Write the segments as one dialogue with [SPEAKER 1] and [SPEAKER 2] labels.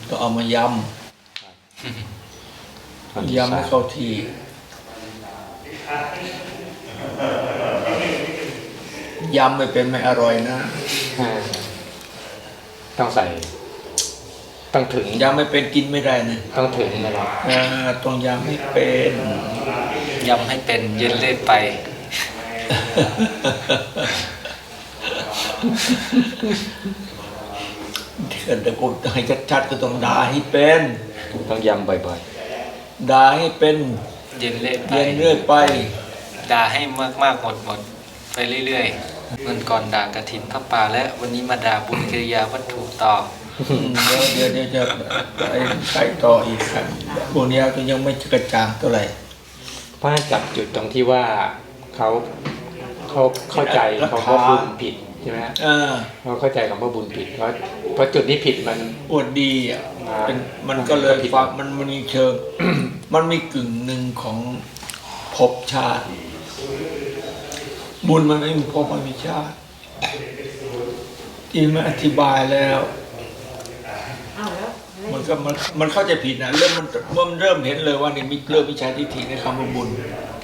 [SPEAKER 1] ต้องเอามายำยำให้เข้าที่ยำไม่เป็นไม่อร่อยนะ
[SPEAKER 2] ต้องใส่ต้องถึง
[SPEAKER 1] ยำไม่เป็นกินไม่ได้นะ
[SPEAKER 2] ต้องถึงนะครับ
[SPEAKER 1] ต้องยำให้เป็น
[SPEAKER 3] ยำให้เป็นเย็นเล่นไป
[SPEAKER 1] เกิดแต่กูให้ชัดๆก็ต้องด่าให้เป็น
[SPEAKER 2] ต้องยำบ่อย
[SPEAKER 1] ๆด่าให้เป็น
[SPEAKER 3] เย็นเล่นไป
[SPEAKER 1] เย็นเรื่อยไป
[SPEAKER 3] ด่าให้มากๆหมดไปเรื่อยๆเมื่อก่อนด่ากฐินพระป่าและวันนี้มาด่าบุญกิริยาวัตถุต่อ
[SPEAKER 1] เดี๋ยวจะใส่ต่ออีกครับพวกนี้ก็ยังไม่กระจ่างเท่าไหร่
[SPEAKER 2] เพราะจับจุดตรงที่ว่าเขาเข้าใจเขาก็บุญผิดใช่ไหมเขาเข้าใจคำว่าบุญผิดเพราะจุดนี้ผิดมัน
[SPEAKER 1] อวดดีอ่ะมันก็เลยฟังมันมีเชิงมันมีกึ่งหนึ่งของภพชาติบุญมันไม่มีภพไม่มีชาติที่มาอธิบายแล้วมันเข้าใจผิดนะเริ่มเห็นเลยว่านี่มีเริ่มมิจฉาทิฏฐิในคำว่าบุญ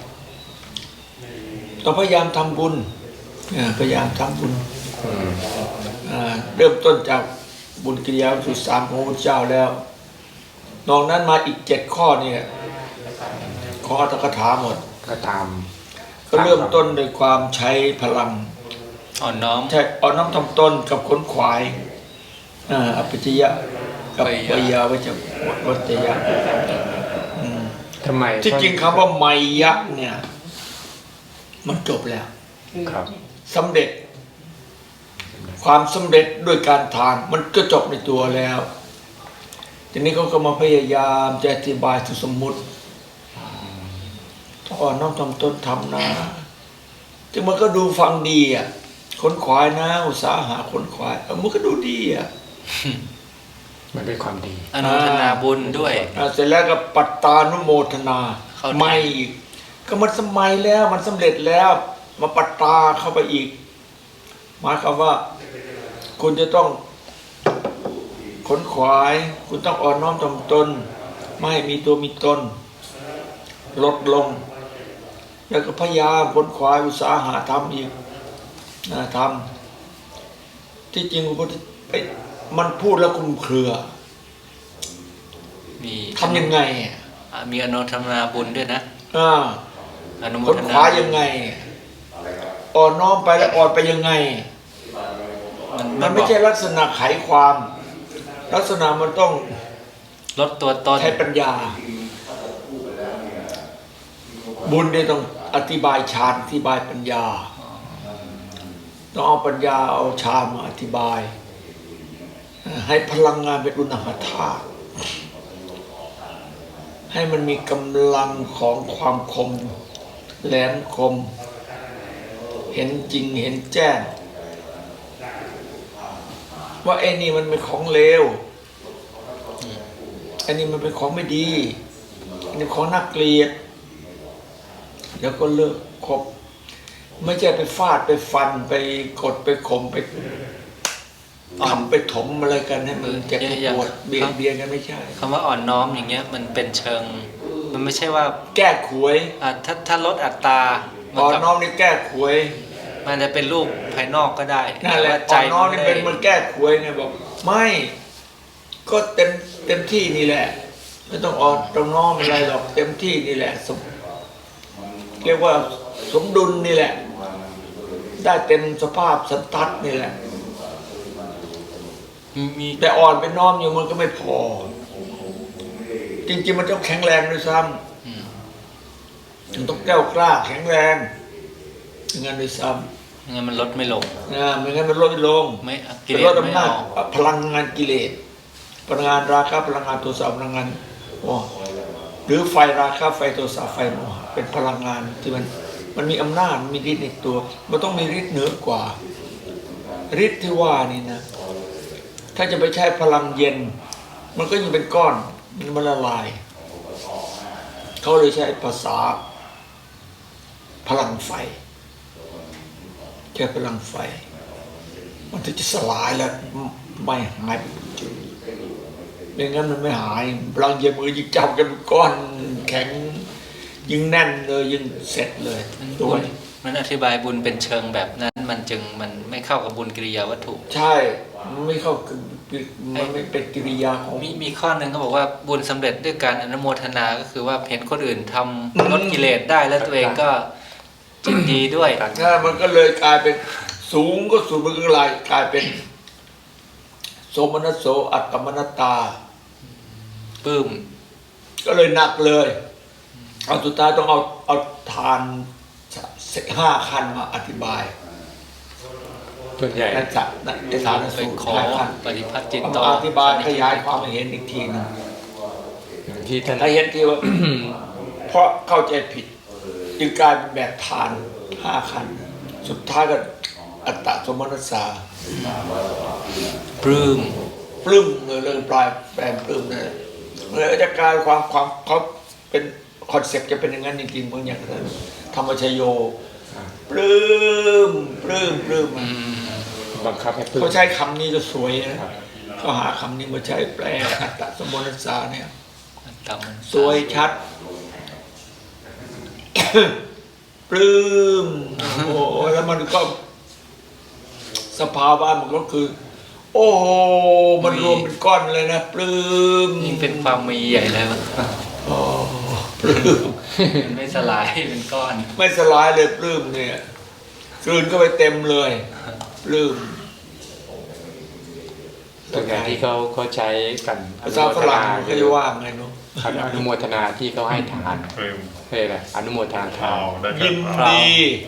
[SPEAKER 1] ต้องพยายามทำบุญพยายามทำบุญเริ่มต้นจากบุญกิริยาวัตถุ3ของพระพุทธเจ้าแล้วนอกนั้นมาอีก7ข้อนี่ของอัตถกถาหมด
[SPEAKER 2] ก็ตาม
[SPEAKER 1] ก็เริ่มต้นด้วยความใช้พลัง
[SPEAKER 3] อ่อนน้อม
[SPEAKER 1] ใช่อ่อนน้อมทำตนกับขนขวายอภิชยะกับวิยาวัจยะ
[SPEAKER 2] ทำไม
[SPEAKER 1] ที่จริงคำว่าไมยะเนี่ยมันจบแล้ว
[SPEAKER 2] ครับ
[SPEAKER 1] สำเร็จความสำเร็จด้วยการทานมันก็จบในตัวแล้วทีนี้เขาก็มาพยายามจะอธิบายสมมุติอ่อนน้อมทำตนทำนะจึงมันก็ดูฟังดีอ่ะขนขวายนะอุตสาหะขนขวายมันก็ดูดีอ่ะ
[SPEAKER 2] มันเป็นความดี
[SPEAKER 3] อนุโมทนาบุญด้วย
[SPEAKER 1] เสร็จแล้วก็ปัตตานุโมทนาไม่อีกก็มันสมัยแล้วมันสำเร็จแล้วมาปัตตาเข้าไปอีกหมายความว่าคุณจะต้องขนขวายคุณต้องอ่อนน้อมถ่อมตนไม่ให้มีตัวมีตนลดลงแล้วก็พยายามขนขวายอุตสาหะทำอีกทำที่จริงมันพูดแล้วคลุมเครือทำยังไง
[SPEAKER 3] มีอนุโมทนาบุญด้วยนะ
[SPEAKER 1] ขนขวายยังไงอ่อนน้อมไปแล้วอ่อนไปยังไงมันไม่ใช่ลักษณะไขความลักษณะมันต้อง
[SPEAKER 3] ลดตัวตน
[SPEAKER 1] ใช้ปัญญาบุญเนี่ยต้องอธิบายฌานอธิบายปัญญาต้องเอาปัญญาเอาฌานมาอธิบายให้พลังงานเป็นอุณหธาตุให้มันมีกำลังของความคมแหลมคมเห็นจริงเห็นแจ้งว่าไอ้นี่มันเป็นของเลวไอ้นี่มันเป็นของไม่ดีไอ้นี่ของน่าเกลียดแล้วก็เลิกคบไม่ใช่ไปฟาดไปฟันไปกดไปข่มไปทำไปถมอะไรกันให้มันเจ็บปวดเบียดเบียนกันไม่ใช่
[SPEAKER 3] คำว่าอ่อนน้อมอย่างเงี้ยมันเป็นเชิงมันไม่ใช่ว่า
[SPEAKER 1] แก้ขวย
[SPEAKER 3] ถ้าลดอัตรา
[SPEAKER 1] อ่อนน้อมนี่แก้ขวย
[SPEAKER 3] มันจะเป็นรูปภายนอกก็ได้
[SPEAKER 1] นั่นแหละอ่อนน้อมนี่เป็นมันแก้ขวยไงบอกไม่ก็เต็มที่นี่แหละไม่ต้องอ่อนต้องน้อมอะไรหรอกเต็มที่นี่แหละเรียกว่าสมดุลนี่แหละได้เต็มสภาพสันทัดนี่แหละแต่อ่อนไปน้อมอยู่มันก็ไม่พอจริงๆมันต้องแข็งแรงด้วยซ้ำมันต้องแก้วกล้าแข็งแรงอย่างนั้นด้วยซ้
[SPEAKER 3] ำงั้นมันลดไม่ลง
[SPEAKER 1] ไม่งั้นมันลดไม่ลง
[SPEAKER 3] ไม่
[SPEAKER 1] ลดอำนาจพลังงานกิเลสพลังงานราคะพลังงานโทสะพลังงานหรือไฟราคะไฟโทสะไฟโมหะเป็นพลังงานที่มันมีอำนาจมีฤทธิ์ในตัวมันต้องมีฤทธิ์เหนือกว่าฤทธิ์ที่ว่านี่นะถ้าจะไปใช้พลังเย็นมันก็ยังเป็นก้อนมันละลายเขาเลยใช้ภาษาพลังไฟแค่พลังไฟมันถึงจะสลายแล้วไม่หายไม่งั้นมันไม่หายพลังเย็นมือยิ่งจับกันก้อนแข็งยิ่งแน่นเลยยิ่งเสร็จเลยตัวนี้
[SPEAKER 3] มันอธิบายบุญเป็นเชิงแบบนั้นมันไม่เข้ากับบุญกิริยาวัตถุ
[SPEAKER 1] ใช่มันไม่เข้ามันไม่เป็นกิริยาของ
[SPEAKER 3] มีข้อหนึ่งเขาบอกว่าบุญสำเร็จด้วยการอนุโมทนาก็คือว่าเห็นคนอื่นทำลดกิเลสได้แล้วตัวเองก็จิตดีด้วย
[SPEAKER 1] ใช่มันก็เลยกลายเป็นสูงก็สูงมันก็กลายเป็นโสมนัสโสอัตตมนัตตา
[SPEAKER 3] ปลื้ม
[SPEAKER 1] ก็เลยหนักเลยเอาสุดท้ายต้องเอาทาน5 ขั้นมาอธิบาย
[SPEAKER 2] ส่วนใหญ่
[SPEAKER 1] นั่นจะในฐาน
[SPEAKER 3] ไป
[SPEAKER 1] สูตร
[SPEAKER 3] ขอ
[SPEAKER 1] 5 ขั้น
[SPEAKER 3] ปฏิพัติจิต
[SPEAKER 1] เอา
[SPEAKER 3] ต่อ
[SPEAKER 1] มาอธิบายขยายความให้เห็นอีกทีหนึง
[SPEAKER 2] อย่างที่ท่าน
[SPEAKER 1] ถ้าเห็นทีว่า เพราะเข้าใจผิดจึงกลายเป็นแบบทาน5 ขั้นสุดท้ายก็อัตตสมนัสสา
[SPEAKER 3] ปลื้ม
[SPEAKER 1] ปลื้มเลยเรื่องปลายแปลงปลื้มเลยเลยจะกลายความเขาเป็นคอนเซ็ปต์จะเป็นอย่างนั้นจริงๆเหมือนอย่างนั้นธรรมชโยปลื้ม
[SPEAKER 2] บังคับให้พึ่ง
[SPEAKER 1] เขาใช้คำนี้จะสวยนะเขาหาคำนี้มาใช้แปลอัตตสมนัสสาเนี่ยสวยชัด ปลื้มโอ้โหแล้วมันก็สภาวะมันก็คือ โอ้โหมันรวมเป็นก้อนเลยนะปลื้ม
[SPEAKER 3] ยิ่งเป็นความมีใหญ่แล้ว
[SPEAKER 1] โอ้ปลื้ม
[SPEAKER 3] มันไม่สลายเป็นก้อน
[SPEAKER 1] ไม่สลายเลยปลื้มเนี่ยกลืนเข้าไปเต็มเลยปลื้ม
[SPEAKER 2] ส่วนใหญ่ที่เขาใช้กัน
[SPEAKER 1] ภาษาฝรั่งเขาจะว่าไงเนาะ
[SPEAKER 2] อนุโมทนาที่เขาให้ทานเฮ้ยอะไรอนุโมทนาทาน
[SPEAKER 1] ยินดี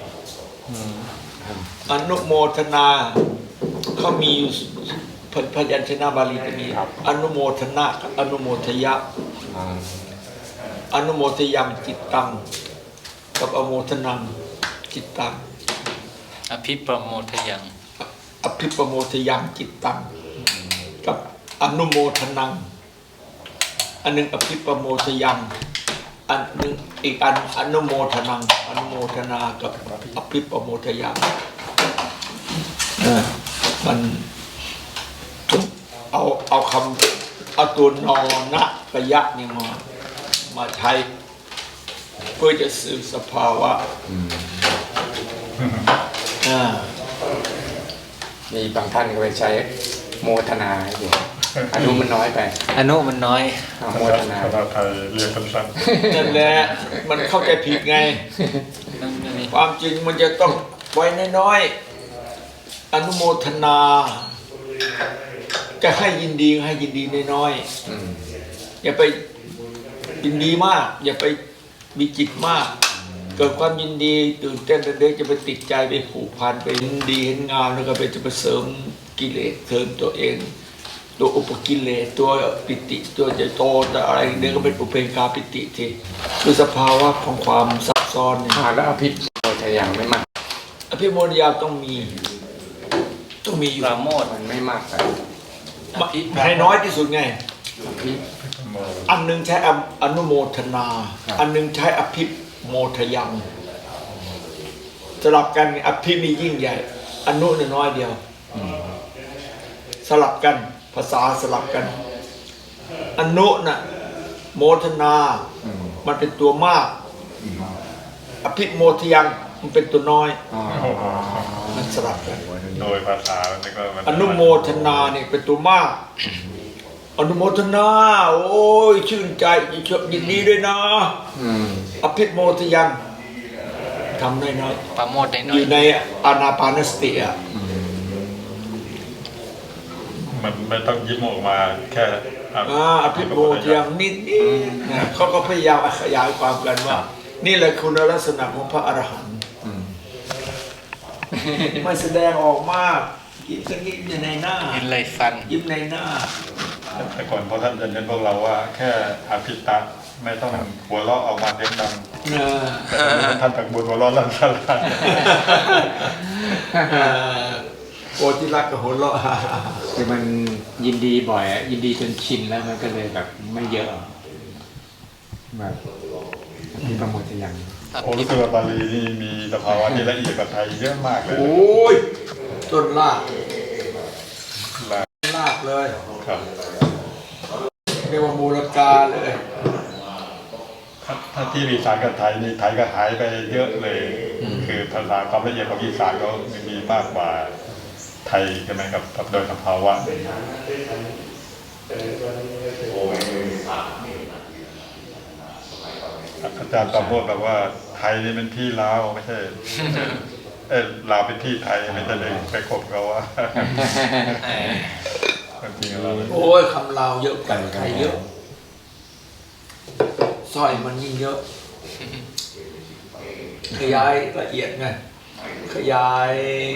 [SPEAKER 1] อนุโมทนาเขามีพยัญชนะบาลีจะมีอนุโมทนากับอนุโมทยะ อนุโมทยังจิตตังกับอโมทนังจิตตัง
[SPEAKER 3] อภิปโมทยัง
[SPEAKER 1] อภิปโมทยังจิตตังกับอนุโมทนังอันหนึ่งอภิปโมทยังอันหนึ่งอีกอันอนุโมทนังอนุโมทนากับอภิปโมทยังมันเอาคำเอาตัวนอนะกยะเนี่ยมาใช้เพื่อจะสื่อสภาวะ
[SPEAKER 2] มีบางท่านก็ไปใช้โมทนาอยู่อนุมันน้อยไป
[SPEAKER 3] อนุมันน้อย
[SPEAKER 2] โมทนา
[SPEAKER 4] ภาษาไทยเรียกสั้น
[SPEAKER 1] นั่นแหละมันเข้าใจผิดไง ความจริงมันจะต้องไว้น้อยๆอนุโมทนา จะให้ยินดีให้ยินดีน้อยๆอย่าไปยินดีมาก อย่าไปมีจิตมาก เกิดความยินดีตื่นเต้นเด็กจะไปติดใจไปผูกพันไปยินดีเห็นงามแล้วก็ไปจะไปเสริมกิเลสเสริมตัวเอง ตัวอุปกิเลสตัวปิติตัวจะโตแต่อะไรเดี๋ยวก็เป็นอุเบกขาปิติทีคือสภาวะของความซับซ้อนเนี่ย
[SPEAKER 2] แล้วอภิโมทยังไม่มาก
[SPEAKER 1] อภิโมทยาต้องมีอยู่
[SPEAKER 3] ปราโมท
[SPEAKER 2] มันไม่มากไป
[SPEAKER 1] ให้น้อยที่สุดไง
[SPEAKER 2] อภิ
[SPEAKER 1] อันหนึงใช้อนุโมทนา อันหนึงใช้อภิโมทยังสลับกันอภิมียิ่งใหญ่ อนุเนี่ยน้อยเดียวสลับกันภาษาสลับกัน อนุน่ะโมทนา มันเป็นตัวมาก อภิโมทยังมันเป็นตัวน้อย มันสลับกัน
[SPEAKER 4] ๆโดยภาษาแล้วก็มัน
[SPEAKER 1] อนุโมทนาเนี่ยเป็นตัวมาก อนุโมทนา โอ้ยชื่นใจยินดีด้วยนะอภิโมทยังทำน้อย
[SPEAKER 3] ปราโมทได้
[SPEAKER 1] ๆ
[SPEAKER 3] น้
[SPEAKER 1] อ
[SPEAKER 3] อย
[SPEAKER 1] ยู่ในอานาปานสติอ่ะ
[SPEAKER 4] มันไม่ต้องยิ้มออกมาแค่
[SPEAKER 1] อภิโมทยังนิดๆนะเขาก็พยายามขยายความกันว่า นี่แหละคุณลักษณะของพระอรหันต์ไม่แสดงออกมากยิ้มสักนิดอยู่ในหน้า
[SPEAKER 3] เห็นไรฟัน
[SPEAKER 1] ยิ้มในหน้า
[SPEAKER 4] แต่ก่อนพอท่านจะเน้นพวกเราว่าแค่อภิตะไม่ต้องหัวเราะออกมาเสียงดังท่านตักบุญหัวเราะลั่นสลาย
[SPEAKER 1] โอจิรักกับหัวเราะ
[SPEAKER 2] คือมันยินดีบ่อยยินดีจนชินแล้วมันก็เลยแบบไม่เยอะแบบอภิโมทยัง
[SPEAKER 4] โอ้รู้สึกว่าบาลีนี่มีสภาวะที่ละเอียดกว่าไทยเยอะมากเลย
[SPEAKER 1] โอ้ยต้นลาก
[SPEAKER 4] ลา
[SPEAKER 1] ลากเลย
[SPEAKER 4] ครับ
[SPEAKER 1] รียกว่ามูลกาเลย
[SPEAKER 4] ถ้าที่อีสานกับไทยนี่ไทยก็หายไปเยอะเลย คือภาษาความละเอียดของอีสานก็มีมากกว่าไทยใช่ไหมครับโดยสภาวะอาจารย์ประโมทแบบว่าไทยนี่เป็นที่ลาวไม่ใช่ลาวเป็นที่ไทยไม่ใช่เลยไปคบเขาว่าจริงๆเรา
[SPEAKER 1] โอ้ยคำลาวเยอะกว่าไทยเยอะสร้อยมันยิ่งเยอะ ขยายละเอียดไงขยาย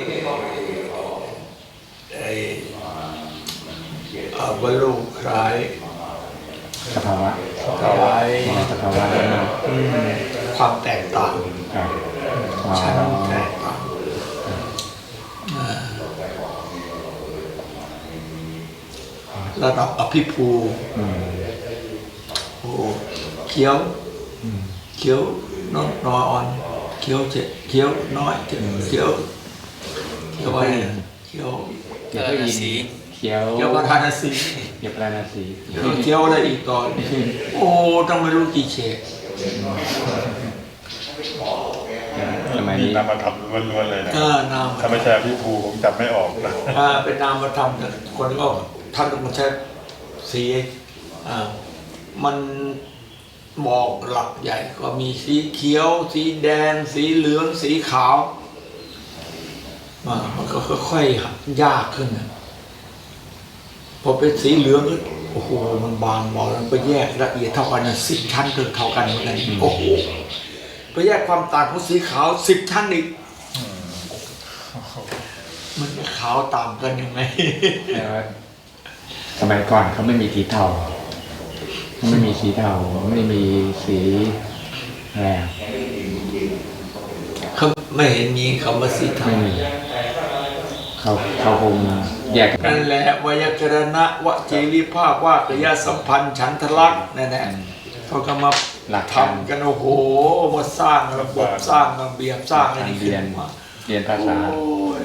[SPEAKER 1] บรรลุคล้าย
[SPEAKER 2] สภาวะ
[SPEAKER 1] ขยาย
[SPEAKER 2] สภาวะ
[SPEAKER 1] ความแตกต่าง
[SPEAKER 2] ครับ
[SPEAKER 1] ชั้นแตกต่างระดับอภิภูโอ้เขียวเขียวน้อยอ่อนเขียวเจ็ดเขียวน้อยเจ็ดเขียวอะไรเขียว
[SPEAKER 2] เดี๋ยวก็ยินเขียว
[SPEAKER 1] เขียวประธานสี
[SPEAKER 2] เขียวปราณสี
[SPEAKER 1] เขียวอะไรอีกก่อนโอ้ต้องไม่รู้กี่เฉด
[SPEAKER 2] สมัย
[SPEAKER 4] มี
[SPEAKER 2] นี้
[SPEAKER 4] นามธรรมล้วนๆเลยนะ
[SPEAKER 1] นาม
[SPEAKER 4] ถ้าไม่ใช่พี่ภูผมจำไม่ออกนะ
[SPEAKER 1] เป็นนามธรรมคนก็ท่านต้องใช้สีมันบอกหลักใหญ่ก็มีสีเขียวสีแดงสีเหลืองสีขาวมันก็ค่อยๆยากขึ้นพอเป็นสีเหลืองโอ้โหมันบางบอกแล้วไปแยกละเอียดเท่ากัน10 ชั้นเท่ากันเหมือนกันโอ้โหไปแยกความต่างของสีขาว10 ชั้นอีกมันจะขาวต่างกันยังไง
[SPEAKER 2] สมัยก่อนเขาไม่มีสีเทาไม่มีสีเทาไม่มีสีอะไร
[SPEAKER 1] เขาไม่เห็นมีคำว่าสีเทา
[SPEAKER 2] ไม่มีเขาคงแยกกัน
[SPEAKER 1] นั่นแหละวยากรณะวจีริภาพว่ากยสัมพันธ์ฉันทลักษณ์นั่นแหละเขาก็มา
[SPEAKER 2] หลักการ
[SPEAKER 1] ทำกันโอ้โหมาสร้างระบบสร้างระเบียบสร้างอะไร
[SPEAKER 2] เรียน
[SPEAKER 1] มา
[SPEAKER 2] เรียนภาษา
[SPEAKER 1] โอ้ย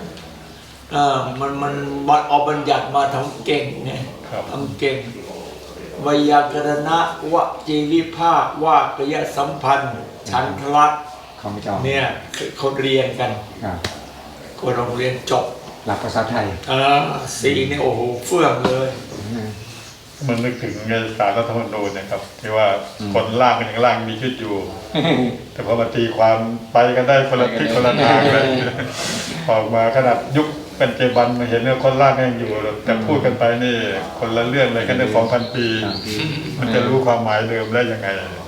[SPEAKER 1] มันเอาบัญญัติมาทำเก่งไงทำเก่งวยากรณะวจีริภาพว่ากยสัมพันธ์ฉันทลักษณ์
[SPEAKER 2] เขาไม่จอง
[SPEAKER 1] เนี่ยเขาเรียนกัน
[SPEAKER 2] ครับ
[SPEAKER 1] คนโรงเรียนจบ
[SPEAKER 2] หลักภาษาไทย
[SPEAKER 1] สีเนี่ยโอ้โหเฟื่องเลย
[SPEAKER 4] มันนึกถึงในสารรัฐธรรมนูญนะครับที่ว่าคนล่างกันอย่างล่างมีชีวิตอยู่ แต่พอมาตีความไปกันได้คนละทิศคนละทางเลยออกมาขนาดยุคเป็นเจบันมาเห็นว่าคนล่างยังอยู่แต่พูดกันไปนี่คนละเรื่องเลยกันใน2,000 ปี มันจะรู้ความหมายเดิมได้ยังไง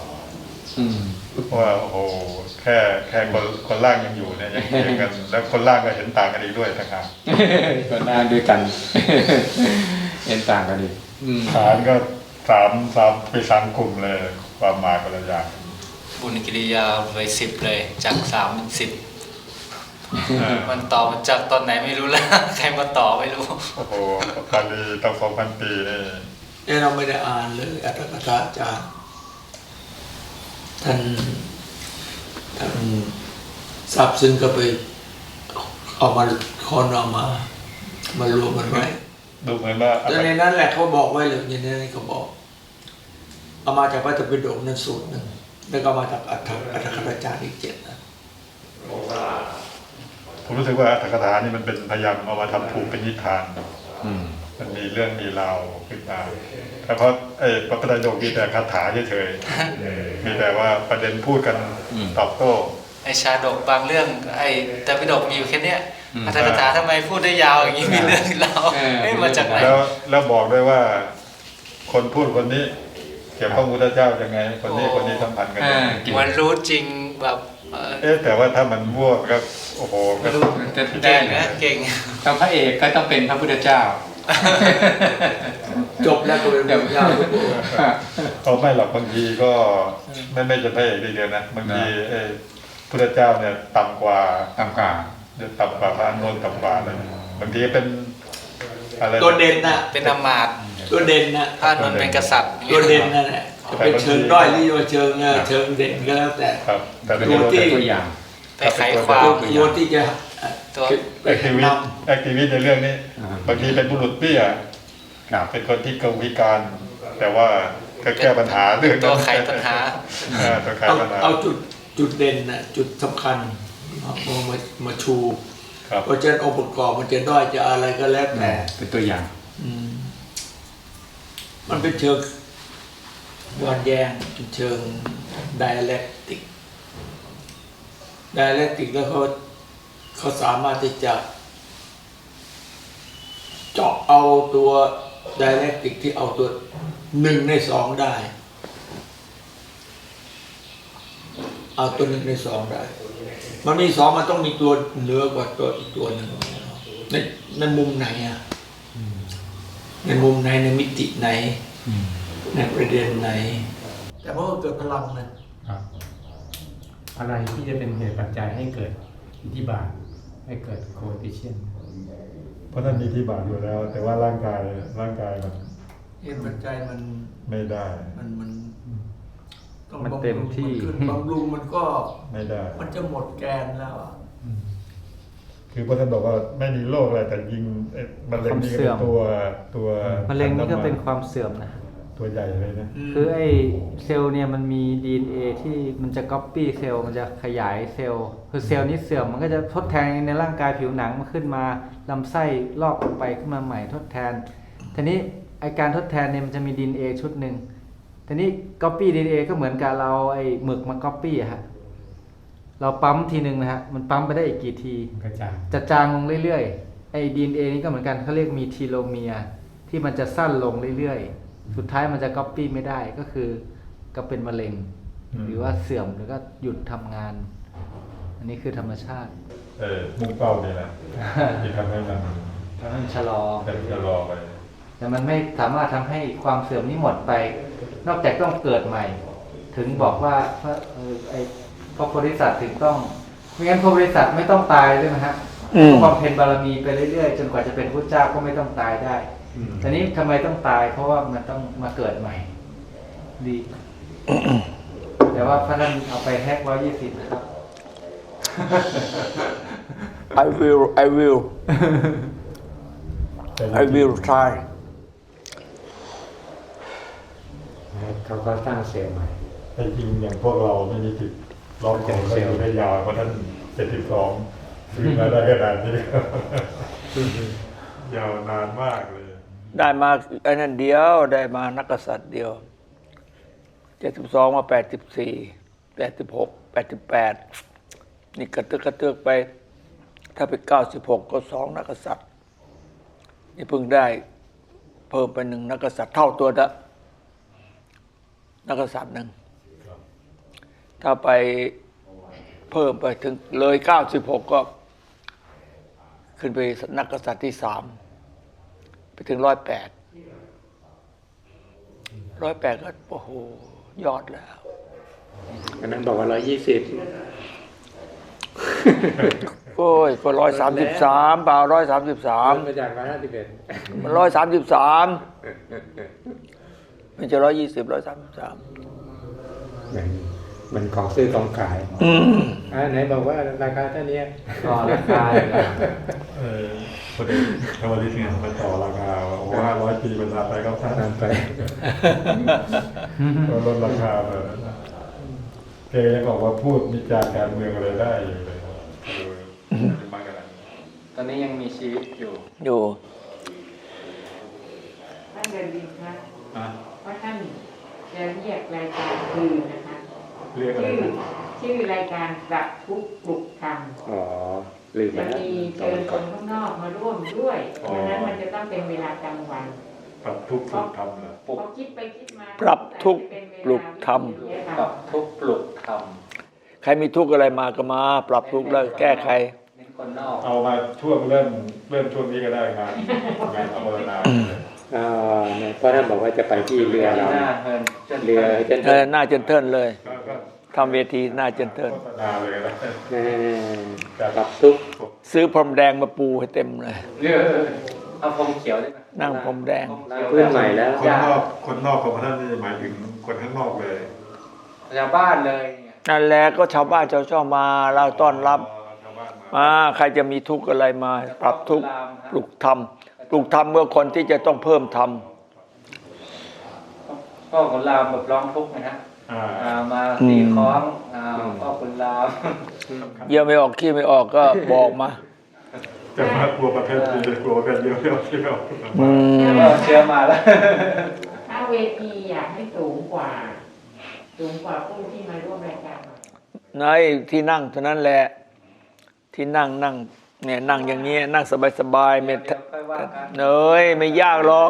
[SPEAKER 4] ว่าโอ้โหแค่คนล่างยังอยู่เนี่ยยังเถียงกัน แล้วคนล่างก็เห็นต่างกันอีกด้วยนะครับ
[SPEAKER 2] คนล่างด้วยกัน เห็นต่างกันอีก
[SPEAKER 4] ฐานก็ไป3 กลุ่มเลยความหมายคนละอย่าง
[SPEAKER 3] บุญกิริยาไป10 เลยจาก3 เป็น 10มันต่อมาจากตอนไหนไม่รู้แล้ว ใครมาต่อไม่รู้
[SPEAKER 4] โอ้โหบาลีต้อง2,000 ปีนี่
[SPEAKER 1] เราไม่ได้อ่านเลยอัตถกถาอาจารย์ท่านทราบซึ้งก็ไปเอามาคนเอามารวมกันไว้
[SPEAKER 4] ดูเหมือนว่า
[SPEAKER 1] แต่ในนั้นแหละเขาบอกไว้เลยอย่างนี้เขาบอกเอามาจากพระธรรมปิฎกนั้นสูตรหนึ่งแล้วก็มาจากอัตถกถาจารย์อีก7นะ
[SPEAKER 4] ผมรู้สึกว่าอัตถกถานี่มันเป็นพยายามเอามาทำผูกเป็นนิทานมันมีเรื่องมีราวขึ้นมาแต่เพราะพระไตรปิฎกมีแต่คาถาเฉยๆมีแต่ว่าประเด็นพูดกันตอบโต้
[SPEAKER 3] ไอชาดกบางเรื่องแต่ปิฎกมีอยู่แค่เนี้ยอัตถกถาทำไมพูดได้ยาวอย่างนี้มีเรื่องเรามาจากไหน
[SPEAKER 4] แล้วบอกด้วยว่า คนพูดคนนี้เกี่ยวกับพระพุทธเจ้ายังไง คนนี้สัมพันธ์กันยังไง
[SPEAKER 3] มันรู้จริงแบบ
[SPEAKER 4] แต่ว่าถ้ามันมั่วก็โอ้โหก็
[SPEAKER 3] เก่งนะเก่ง
[SPEAKER 2] ต้องพระเอกก็ต้องเป็นพระพุทธเจ้า
[SPEAKER 1] จบแล้วก็เป็นแบบยาวทุกคน
[SPEAKER 4] เขาไม่หรอกบางทีก็ไม่จะพระเอกเดียวนะบางทีพุทธเจ้าเนี่ยต่ำกว่าพระอานนท์ต่ำกว่าเลยบางทีเป็นอะไร
[SPEAKER 1] ตัวเด่นน่ะ
[SPEAKER 3] เป็นอมาตย์
[SPEAKER 1] ตัวเด่นน่ะ
[SPEAKER 3] พระนนท์เป็นกษัตริย์
[SPEAKER 1] ตัวเด่นนั่นแหละจะเป็นเชิงด้อยหรือว่าเชิงเด่นก็แล้วแต่
[SPEAKER 4] ครับแต่
[SPEAKER 1] ตัวที่
[SPEAKER 2] ตัวอย่าง
[SPEAKER 3] ไปไขความ
[SPEAKER 1] ตัวที่จะ
[SPEAKER 3] ตัว
[SPEAKER 4] แอคทิวิสต์ในเรื่องนี้บางทีเป็นบุรุษเปี้ย
[SPEAKER 2] ครับ
[SPEAKER 4] เป็นคนที่กวิการแต่ว่าก็แก้ปัญหาเรื่อง
[SPEAKER 3] ตัวไขปัญหา
[SPEAKER 4] ตัวไขปัญหา
[SPEAKER 1] เอาจุดเด่นน่ะจุดสำคัญมาชู
[SPEAKER 4] ครับ
[SPEAKER 1] เพราะฉะนั้นองค์ประกอบมันจะด้อยจะอะไรก็แล้วแต่
[SPEAKER 2] เป็นตัวอย่าง
[SPEAKER 1] มันเป็นเชิงย้อนแย้งเป็นเชิง dialectic แล้วเขาสามารถที่จะเจาะเอาตัว dialectic ที่เอาตัว1 ใน 2ได้ เอาตัว1 ใน 2ได้ มันมี2มันต้องมีตัวเหนือกว่าตัวอีกตัวหนึ่งในมุมไหนอ่ะในมุมไหนในมิติไหนในประเด็นไหน แต่เพราะว่าเกิดพลังนะครับ
[SPEAKER 2] อะไรที่จะเป็นเหตุปัจจัยให้เกิดอิทธิบาทให้เกิดโคติเชียน
[SPEAKER 4] เพราะท่านมีที่บาทอยู่แล้ว แต่ว่าร่างกายมัน
[SPEAKER 1] เหตุปัจจัยมัน
[SPEAKER 4] ไม่ได้
[SPEAKER 1] มันต้อง
[SPEAKER 2] มัน
[SPEAKER 1] บำรุง
[SPEAKER 2] เต็มที่
[SPEAKER 1] นขึ้นบำรุงมันก็
[SPEAKER 4] ไม่ได้
[SPEAKER 1] มันจะหมดแกนแล้วอะ
[SPEAKER 4] คือพระท่านบอกว่าไม่มีโรคอะไรแต่ยิงมะเร็งนี่ก็เป็นตัว
[SPEAKER 5] มะเร็งนี่ก็เป็นความเสื่อมนะ
[SPEAKER 4] ตัวใหญ่เลยนะ
[SPEAKER 5] คือไอ้เซลล์เนี่ยมันมี DNA ที่มันจะก๊อปปี้เซลล์มันจะขยายเซลล์คือเซลล์นี้เสื่อมมันก็จะทดแทนในร่างกายผิวหนังมันขึ้นมาลำไส้ลอกออกไปขึ้นมาใหม่ทดแทนทีนี้ไอการทดแทนเนี่ยมันจะมี DNA ชุดหนึ่งทีนี้ก๊อปปี้ DNA ก็เหมือนกับเราไอ้หมึกมาก๊อปปี้อะฮะเราปั๊มทีหนึ่งนะฮะมันปั๊มไปได้อีกกี่ที
[SPEAKER 2] กระจาย
[SPEAKER 5] จะจางลงเรื่อยๆไอ้ DNA นี่ก็เหมือนกันเขาเรียกมีทีโลเมียร์ที่มันจะสั้นลงเรื่อยๆสุดท้ายมันจะก๊อปปี้ไม่ได้ก็คือก็เป็นมะเร็ง หรือว่าเสื่อมหรือก็หยุดทำงาน อันนี้คือธรรมชาติ
[SPEAKER 4] มุ่งเป้านี่แหละที่ทำให้มัน
[SPEAKER 5] มันชะลอ
[SPEAKER 4] เป็นจะรอไป
[SPEAKER 5] แต่มันไม่สามารถทำให้ความเสื่อมนี้หมดไป นอกจากต้องเกิดใหม่ ถึงบอกว่าพระโพธิสัตว์ถึงต้องไม่งั้นพระโพธิสัตว์ไม่ต้องตายใช่ไหมฮะบำเพ็ญบารมีไปเรื่อยๆจนกว่าจะเป็นพระเจ้าก็ไม่ต้องตายได้แต่นี้ทำไมต้องตาย เพราะว่ามันต้องมาเกิดใหม่ดี แต่ว่าพระท่านเอาไปแฮก120นะครับ
[SPEAKER 1] I will I will try
[SPEAKER 2] เขาก็สร้างเซลล์ใหม่
[SPEAKER 4] แต่จริงอย่างพวกเราไม่มีติดล็อกของก็อยู่ได้ยาวเพราะท่าน72ซื้อมาได้ขนาดนี้ยาวนานมากเลย
[SPEAKER 1] ได้มาไอ้นั่นเดียวได้มานักกษัตริย์เดียว72มา84 86 88นี่กระเตือกไปถ้าไป96ก็2นักกษัตริย์นี่เพิ่งได้เพิ่มไป1นักกษัตริย์เท่าตัวละนักกษัตริย์หนึ่งถ้าไปเพิ่มไปถึงเลย96ก็ขึ้นไปนักกษัตริย์ที่3ไปถึง108ก็โอ้โหยอดแล้ว
[SPEAKER 2] อันนั้นบอกว่า120
[SPEAKER 1] โอ้ยก็133เปล่า133
[SPEAKER 2] มาจาก151
[SPEAKER 1] มัน133มันจะ120 133
[SPEAKER 2] มันของซื้อของขายไหนบอกว่าราคาเท่านี้
[SPEAKER 5] ต่อราคา
[SPEAKER 4] พอดีทวาริสเนี่ยมาต่อราคาว่า500 ปีบรรดาไปก็ท่าน
[SPEAKER 2] ไป
[SPEAKER 4] ก็ลดราคามาแกยังบอกว่าพูดวิจารณ์การเมืองอะไรได้อยู่เลยมากขนาดนี้
[SPEAKER 5] ตอนนี้ยังมีชีวิตอยู่
[SPEAKER 1] อยู่
[SPEAKER 6] ท่านเดินดินคะเพราะท่านจะเรียกรายการคืนนะคะ
[SPEAKER 4] เรียกอะไรนะ
[SPEAKER 6] ชื่อรายการปรับทุกข์ปลุกธรรม
[SPEAKER 2] อ๋อลืมไป
[SPEAKER 6] จะ
[SPEAKER 2] แล้ว
[SPEAKER 6] มีเชิญคนข้างนอกมาร่วมด้วยเพราะฉะนั้นมันจะต้องเป็นเวลากลางวัน
[SPEAKER 4] ปรับทุกข์สุขธรรมเหรอ
[SPEAKER 6] พอคิดไปคิดมา
[SPEAKER 1] ปรับทุกข์ปลุกธรรม
[SPEAKER 5] ปรับทุกข์ปลุกธรรม
[SPEAKER 1] ใครมีทุกข์อะไรมาก็มา ปรับทุกข์แล้วแก้ไข
[SPEAKER 5] เป็นคนนอก
[SPEAKER 4] เอามาช่วงเริ่มช่วงนี้ก็ได้งานอภาวนา
[SPEAKER 2] เนี่ยเพราะท่านบอกว่าจะไปที่เรือเรา
[SPEAKER 5] หน้าเฮินจน
[SPEAKER 2] เรือเจน
[SPEAKER 1] หน้าเจนเทินเลย
[SPEAKER 4] ก็
[SPEAKER 1] ทำเวทีหน้าเจนเทิน
[SPEAKER 4] โฆษณาเลยก็ได้
[SPEAKER 2] ปรับทุกข์
[SPEAKER 1] ซื้อพรมแดงมาปูให้เต็มเลย
[SPEAKER 5] เรือเอาพรมเขียวได้ไหม
[SPEAKER 1] นั่งพรมแดง
[SPEAKER 2] พื้นใหม่แล้ว
[SPEAKER 4] คนนอกของพระท่านนี่หมายถึงคนข้างนอกเลย
[SPEAKER 5] ชาวบ้านเลย
[SPEAKER 1] นั่นแหละก็ชาวบ้านชาวช่องมาเราต้อนรับ
[SPEAKER 4] ชาวบ้านมา
[SPEAKER 1] มาใครจะมีทุกข์อะไรมา ปรับทุกข์ปลุกธรรมปลุกธรรมเมื่อคนที่จะต้องเพิ่มธรรม
[SPEAKER 5] พพ่อขุนรามแบบร้องทุกข์นะฮะ มาตีคล้องพ่อขุนราม
[SPEAKER 1] เยี่ยวไม่ออกขี้ไม่ออกก็บอกมา
[SPEAKER 4] จะมากลัวประเภทนี้กลัวประเภทเดียวที่เรา
[SPEAKER 5] ก็เชื่อมาแล้ว
[SPEAKER 6] ถ้าเวทีอยากให้สูงกว่าผู้ที่มาร่วมรายการ
[SPEAKER 1] ในที่นั่งเท่านั้นแหละที่นั่งเนี่ยนั่งอย่างนี้นั่งสบายๆไม่เนยไม่ยากหรอก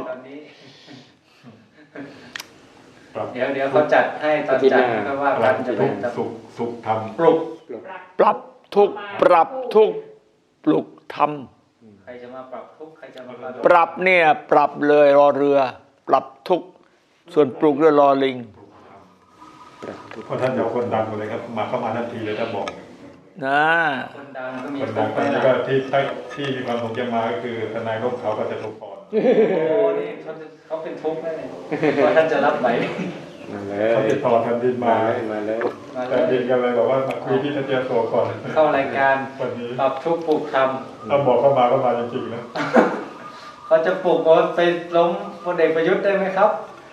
[SPEAKER 5] เดี๋ยวเขาจัดให้ตอนจัดก็ว่ากันจะเป็น
[SPEAKER 4] สุขทำ
[SPEAKER 5] ปลุก
[SPEAKER 1] ปรับทุกข์ปรับทุกข์ปลุกธรรม
[SPEAKER 5] ใครจะมาปรับทุกข์ใครจะมา
[SPEAKER 1] ปรับเนี่ยปรับเลยรอเรือ ปรับทุกข์ส่วนปลุกเรือรอลิง
[SPEAKER 4] เพราะท่านเจ้าคนดังเลยครับเข้ามาทันทีเลยถ้าบอก
[SPEAKER 1] นะ
[SPEAKER 5] คนดังก็มี
[SPEAKER 4] คนดังตอนนี้ก็ที่มีความสงจะมาก็คือทนายร่มเขาก็จะถูกก่อน
[SPEAKER 5] โอ้นี่เขาเป็นทุกข์แน่เลยว่าท่านจะรับไหม
[SPEAKER 2] มาเลย
[SPEAKER 4] เขาติดต่อแผ่นดินมา
[SPEAKER 2] มาเลย
[SPEAKER 5] มาเล
[SPEAKER 4] แผ่นดิน
[SPEAKER 5] ย
[SPEAKER 4] กันเลยบอกว่ามาคุยที่ท่านเจ้าตัวก่อน
[SPEAKER 5] เข้ารายการ
[SPEAKER 4] วันนี้
[SPEAKER 5] ปรับทุกข์ปลุกธรรม
[SPEAKER 4] ถ้าบอกเข้ามาจริงๆนะ
[SPEAKER 5] เขาจะปลุกว่าไปล้มพลเอกประยุทธ์ได้ไหมครับ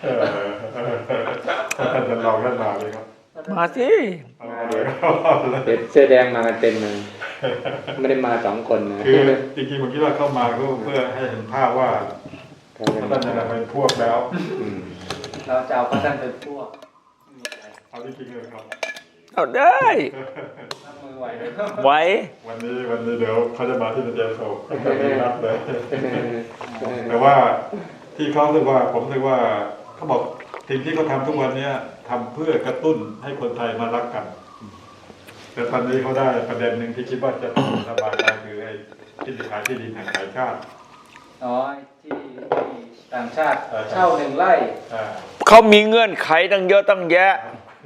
[SPEAKER 4] ท่านจะลองท่านมาเลยครับ
[SPEAKER 1] มาสิ
[SPEAKER 4] มาเลย
[SPEAKER 2] เด็กเสื้อแดงมากันเต็มเลยไม่ได้มา2 คนนะ
[SPEAKER 4] คือจริงๆผมคิดว่าเข้ามาก็เพื่อให้เห็นภาพว่าท่านจะเป็นพวกแล้ว
[SPEAKER 5] เราจะเอาพระท่านเป็นพวก
[SPEAKER 4] เอาจริงๆเลยครับ
[SPEAKER 1] เอาได้
[SPEAKER 5] รับมือไหวไหม
[SPEAKER 1] ไหว
[SPEAKER 4] วันนี้เดี๋ยวเขาจะมาที่เจโซก็ไม่รับเลย แต่ว่าที่เขาเรียกว่าผมเรียกว่าเขาบอกสิ่งที่เขาทำทุกวันนี้ทำเพื่อกระตุ้นให้คนไทยมารักกัน แต่ตอนนี้เขาได้ประเด็นหนึ่งที่คิดว่าจะต้องสบายได้คือไอ้ที่ดินขายที่ดินแห่งขายชาติ
[SPEAKER 5] น้อยที่ต่างชาติเช่า1 ไร่
[SPEAKER 1] เขามีเงื่อนไขตั้งเยอะตั้งแยะ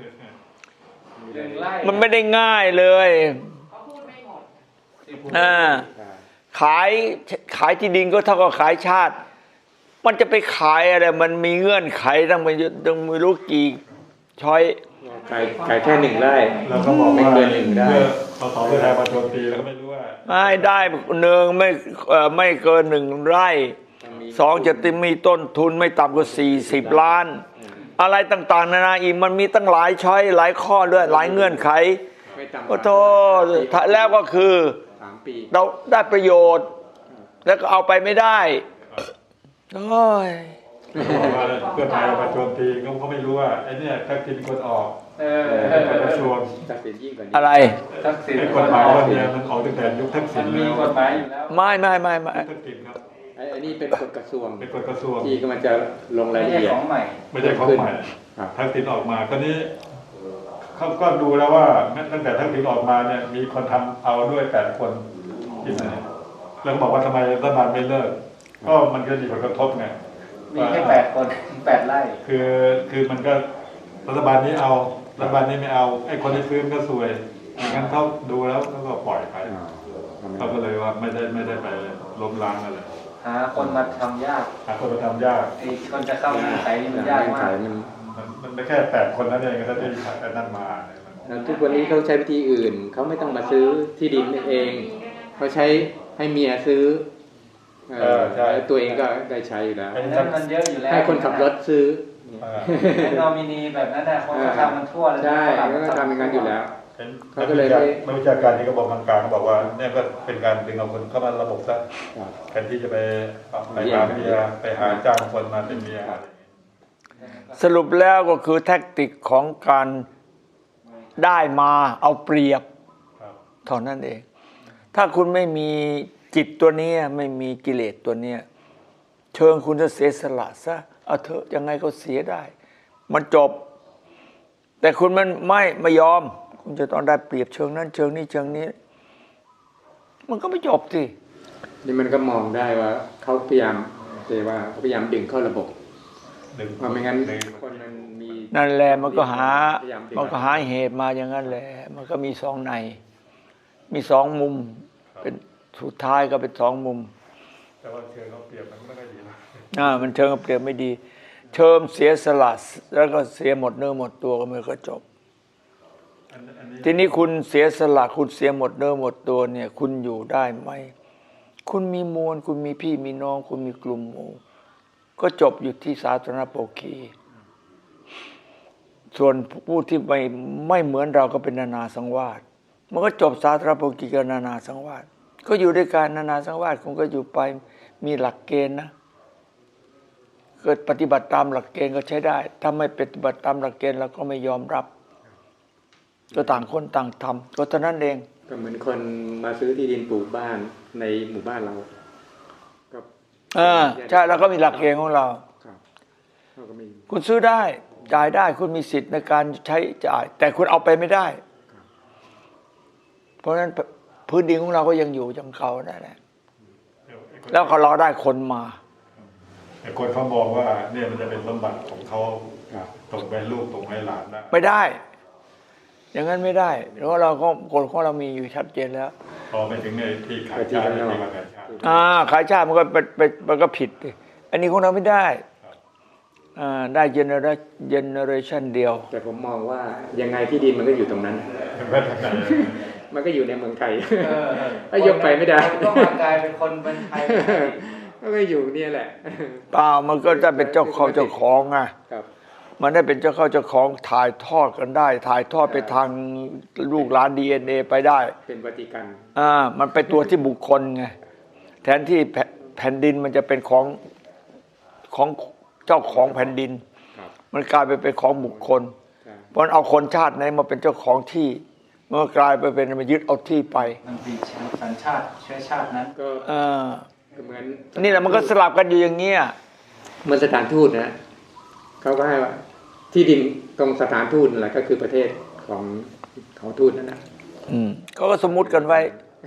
[SPEAKER 5] 1 ไร่
[SPEAKER 1] มันไม่ได้ง่ายเลย
[SPEAKER 6] เขาพูดไม่หมด
[SPEAKER 1] ขายที่ดินก็เท่ากับขายชาติ มันจะไปขายอะไรมันมีเงื่อนไขตั้งไม่รู้กี่ช้อย
[SPEAKER 2] ขายแค่1 ไร่
[SPEAKER 4] แล้วก็บอกว่า
[SPEAKER 2] ไม่เกิน1 ได้
[SPEAKER 4] เมื่อสสเพื่อไทยมาโจมตีแล้วก็ไม่รู้ว่า
[SPEAKER 1] ไม่ได้ไม่เกิน1 ไร่ 2จะมีต้นทุนไม่ต่ำกว่า40 ล้าน อะไรต่างๆนานาอีกมันมีตั้งหลายช้อยหลายข้อด้วยหลายเงื่อนไข
[SPEAKER 2] ไม่ต่ำก
[SPEAKER 1] โอ้
[SPEAKER 2] ว่า
[SPEAKER 1] โธ่แล้วก็คือ
[SPEAKER 2] 3 ปี
[SPEAKER 1] เราได้ประโยชน์ แล้วก็เอาไปไม่ได้โอ้ย
[SPEAKER 4] บอกว่าเพื่อไทยมาโจมตีเขาไม่รู้ว่าไอ้เนี่ยทักษิณคนออก
[SPEAKER 5] เป็น
[SPEAKER 4] กระทรวง
[SPEAKER 2] ตัดสินยิ่งกว่านี้
[SPEAKER 1] อะไร
[SPEAKER 5] ทักษิณ
[SPEAKER 4] ไอ้
[SPEAKER 5] ค
[SPEAKER 4] ก
[SPEAKER 5] น
[SPEAKER 4] ฎห
[SPEAKER 5] อ
[SPEAKER 4] มาย
[SPEAKER 5] อก
[SPEAKER 4] วันนี้มันออกตั้งแต่ยุคทักษิ
[SPEAKER 5] มั
[SPEAKER 4] ณ
[SPEAKER 5] นมี
[SPEAKER 4] แล้ว
[SPEAKER 5] กฎหมายอยู่แล้ว
[SPEAKER 1] ไม่
[SPEAKER 4] ทักษิณครับ
[SPEAKER 2] ไอ้นี่เป็นกฎกระทรวง
[SPEAKER 4] เป็นกฎกระทรวง
[SPEAKER 2] ที่กำลังจะลงราย
[SPEAKER 5] ไม่
[SPEAKER 2] ละ
[SPEAKER 5] ใช่
[SPEAKER 2] เอียด
[SPEAKER 5] ของใหม่
[SPEAKER 4] ไม่ใช่ของใหม่
[SPEAKER 2] ครับ
[SPEAKER 4] ทักษิณออกมาตอนนี้เขาก็ดูแล้วว่าตั้งแต่ทักษิณออกมาเนี่ยมีคนทำเอาด้วย8 คนที่ไหนแล้วบอกว่าทำไมรัฐบาลไม่เลิกก็มันก็มีผลกระทบไง
[SPEAKER 5] มีแค่8 คน8 ไร่
[SPEAKER 4] คือมันก็รัฐบาลนี้เอารัฐบาลนี้ไม่เอาไอ้คนที่ซื้อมันก็ซวยงั้นเขาดูแล้วก็ปล่อยไปเขาก็เลยว่าไม่ได้ไปล้มล้างอะไร
[SPEAKER 5] หาคนมาทำยาก
[SPEAKER 4] หาคนมาทำยาก
[SPEAKER 5] ไอ้คนจะเข้าเงื่อนไขนี่มันยากมาก
[SPEAKER 4] มันไม่แค่8 คนนั้นเองก็ที่นั่นมา
[SPEAKER 2] แล้วทุกวันนี้เขาใช้วิธีอื่น เขาไม่ต้องมาซื้อที่ดินเอง เขาใช้ให้เมียซื้อตัวเองก็ได้ใช้อยู่แล้ว
[SPEAKER 5] นั้นมันเยอะอยู่แล้ว
[SPEAKER 2] ให้คนขับรถซื้อ
[SPEAKER 5] ไอ้นอมินีแบบนั้นน่ะคนก็ทำมันทั่วเลย
[SPEAKER 2] ใช่
[SPEAKER 5] ฝรั่ง
[SPEAKER 2] ก็ทำอย่างนั้นอยู่แล้ว
[SPEAKER 4] เขาก็เลยไม่วิชาการที่เขาบอกทางการเขาบอกว่าเนี่ยก็เป็นการดึงเอาคนเข้ามาระบบซะแทนที่จะไปหาเมียไปหาจ้างคนมาเป็นเมียอะไรอย่างนี้
[SPEAKER 1] สรุปแล้วก็คือแท็กติกของการได้มาเอาเปรียบ
[SPEAKER 4] ครับ
[SPEAKER 1] เท่านั้นเอง ถ้าคุณไม่มีจิตตัวนี้ไม่มีกิเลสตัวนี้เชิงคุณจะเสียสละซะเอาเถอะยังไงก็เสียได้ มันจบ แต่คุณมันไม่ยอม คุณจะต้องได้เปรียบเชิงนั้นเชิงนี้เชิงนี้ มันก็ไม่จบสิ
[SPEAKER 2] นี่มันก็มองได้ว่าเขาพยายามดึงเข้าระบบว่าไม่งั้นคนมันมี
[SPEAKER 1] นั่นแหละมันก็หา
[SPEAKER 2] พยายามดึง
[SPEAKER 1] มันก็หาเหตุมาอย่างนั้นแหละ มันก็มี2 ในมี2 มุมเป็นสุดท้ายก็เป็น2 มุม
[SPEAKER 4] แต่ว่าเชิงเขาเปรียบมันไม่ค่อยดีนะ
[SPEAKER 1] มันเชิงเปรียบไม่ดี เชิงเสียสละแล้วก็เสียหมดเนื้อหมดตัวก็ไม่ก็จบ ทีนี้คุณเสียสละคุณเสียหมดเนื้อหมดตัวเนี่ย คุณอยู่ได้ไหมคุณมีมวลคุณมีพี่มีน้อง คุณมีกลุ่มหมู่ก็จบอยู่ที่สาธารณโภคีส่วนผู้ที่ไม่เหมือนเราก็เป็นนานาสังวาสมันก็จบสาธารณภกิจกับนานาสังวาสก็อยู่ด้วยกันนานาสังวาสคงก็อยู่ไปมีหลักเกณฑ์นะเกิดปฏิบัติตามหลักเกณฑ์ก็ใช้ได้ถ้าไม่ปฏิบัติตามหลักเกณฑ์เราก็ไม่ยอมรับก็ต่างคนต่างทำก็เท่านั้นเอง
[SPEAKER 2] ก็เหมือนคนมาซื้อที่ดินปลูกบ้านในหมู่บ้านเราก็
[SPEAKER 1] ใช่เราก็มีหลักเกณฑ์ของเรา
[SPEAKER 2] เราก็มี
[SPEAKER 1] คุณซื้อได้จ่ายได้คุณมีสิทธิ์ในการใช้จ่ายแต่คุณเอาไปไม่ได้เพราะฉะนั้นพื้นดินของเราก็ยังอยู่ยังเขาได้แหละแล้วเขารอได้คนมา
[SPEAKER 4] แต่คนเขามองว่าเนี่ยมันจะเป็นสมบัติของเขาตกไปลูกตกไปหลาน
[SPEAKER 1] ไม่ได้อย่างนั้นไม่ได้เพราะเราก็กฎของเรามีอยู่ชัดเจนแล้ว
[SPEAKER 4] พอไปถึงในที่ขายชาติที่ขายชาติ
[SPEAKER 1] ขายชาติมันก็ผิดอันนี้ของเราไม่ได้ได้เจเนอเรชันเดียว
[SPEAKER 2] แต่ผมมองว่ายังไงที่ดินมันก็อยู่ตรงนั้นมันก็อยู่ในเมืองไทยถ้ายกไปไม่ได้
[SPEAKER 5] ก็มากลายเป็นคนเป็นไทย
[SPEAKER 2] ก็อยู่เนี่ยแหละ
[SPEAKER 1] เปล่ามันก็จะเป็นเจ้าของไงมันได้เป็นเจ้าของถ่ายทอดกันได้ถ่ายทอดไปทางลูกหลาน DNA ไปได้
[SPEAKER 2] เป็นปฏิกัน
[SPEAKER 1] มันเป็นตัวที่บุคคลไงแทนที่แผ่นดินมันจะเป็นของเจ้าของแผ่นดินมันกลายไปเป็นของบุคคลเพราะเอาคนชาติไหนมาเป็นเจ้าของที่เมื่อกลายไปเป็นมายึดเอาที่ไป
[SPEAKER 5] มันเป็นสัญชาติเชื้อชาตินั้นก็
[SPEAKER 2] เหมือน
[SPEAKER 1] นี่แหละมันก็สลับกันอยู่อย่างเงี้ย
[SPEAKER 2] เหมือนสถานทูตนะเขาก็ให้ว่าที่ดินตรงสถานทูตนั่นแหละก็คือประเทศของทูตนั่นนะ
[SPEAKER 1] เขาก็สมมุติกันไว้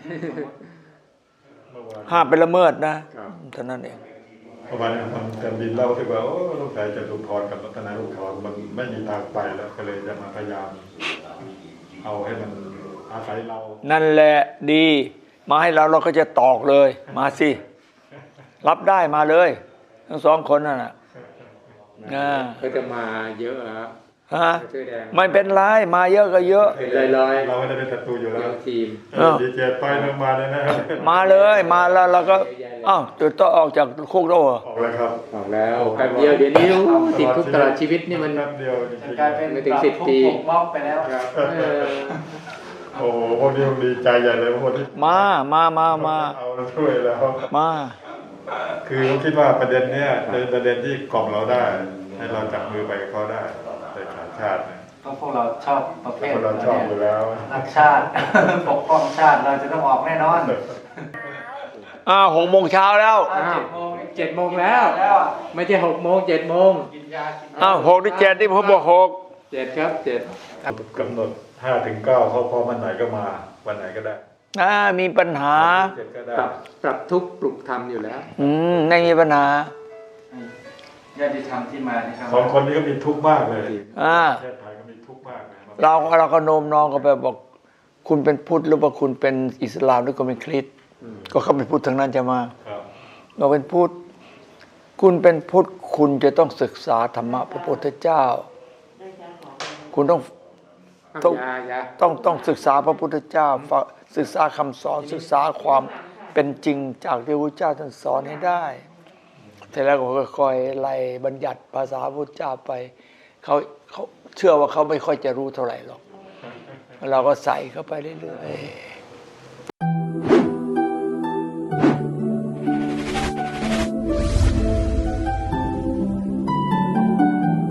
[SPEAKER 1] ห้ามไปละเมิดนะเท่านั้นเอง
[SPEAKER 4] เพราะว่าทำการบินเล่าที่ว่าโอ้ลูกชายจะถูกถอนกับรัตนายลูกถอนมันไม่มีทางไปแล้วก็เลยจะมาพยายามเอาให้มันอาศัยเรา
[SPEAKER 1] นั่นแหละดีมาให้เราก็จะตอกเลยมาสิรับได้มาเลยทั้งสองคนนั่นน่ะ
[SPEAKER 2] ก็จะมาเยอะครับ
[SPEAKER 1] ไม่เป็นไรมาเยอะก็เยอะ
[SPEAKER 2] ลอย
[SPEAKER 4] เราไม่ได้เป็นศัตรูอยู่แล้ว
[SPEAKER 2] ทีม
[SPEAKER 4] ดีเจต่อยลงมาเลยนะ
[SPEAKER 1] มาเลยมาแล้วเราก็จุดต้องออกจากคุกแล้ว
[SPEAKER 4] ออกแล้วครับ
[SPEAKER 2] ออกแล้วแป๊บเดียวเดี๋ยวนี้ติดคุกตลอดชีวิตนี่มัน
[SPEAKER 4] แป๊บเดียว
[SPEAKER 5] กลายเป็น
[SPEAKER 2] ไม่ถึง10 ปี
[SPEAKER 5] มอบไปแล้ว
[SPEAKER 4] โอ้พวกนี้ดีใจใหญ่เลยพวกนี้
[SPEAKER 1] มา
[SPEAKER 4] เอาช่วยแล้ว
[SPEAKER 1] มา
[SPEAKER 4] คือผมคิดว่าประเด็นเนี้ยเป็นประเด็นที่กล่อมเราได้ให้เราจับมือไปกับเขาได้ในขายชาติ
[SPEAKER 5] เพราะพวกเราชอบประเภท
[SPEAKER 4] เราชอบอยู่แล้ว
[SPEAKER 5] รักชาติปกป้องชาติเราจะต้องออกแน่นอน
[SPEAKER 1] 6 โมงเช้าแล้ว
[SPEAKER 2] 7 โมงแล้วไม่ใช่6 โมง7 โมง
[SPEAKER 1] 6 หรือ 7ที่ผมบอก
[SPEAKER 2] 7ครับ7
[SPEAKER 4] กำหนด5 ถึง 9เขาพอวันไหนก็มาวันไหนก็ได้
[SPEAKER 1] มีปัญหา
[SPEAKER 2] ปรับทุกข์ปลุกธรรมอยู่แล้ว
[SPEAKER 1] ไม่มีปัญหา
[SPEAKER 5] ญาติธรรมที่มานะครับ
[SPEAKER 4] 2 คนนี้ก็มีทุกข์มากเลยประเทศไทยก็มีทุกข์มาก
[SPEAKER 1] เราก็โน้มน้องก็ไปบอกคุณเป็นพุทธหรือว่าคุณเป็นอิสลามหรือคุณเป็นคริสต์ก็เขาเป็นพุทธทั้งนั้นจะมาเราเป็นพุทธคุณเป็นพุทธคุณจะต้องศึกษาธรรมะพระพุทธเจ้าคุณต้องศึกษาพระพุทธเจ้าศึกษาคำสอนศึกษาความเป็นจริงจากที่พระพุทธเจ้าท่านสอนให้ได้เสร็จแล้วก็ค่อยๆไล่บัญญัติภาษาพระพุทธเจ้าไปเขาเชื่อว่าเขาไม่ค่อยจะรู้เท่าไหร่หรอกเราก็ใส่เข้าไปเรื่อยๆ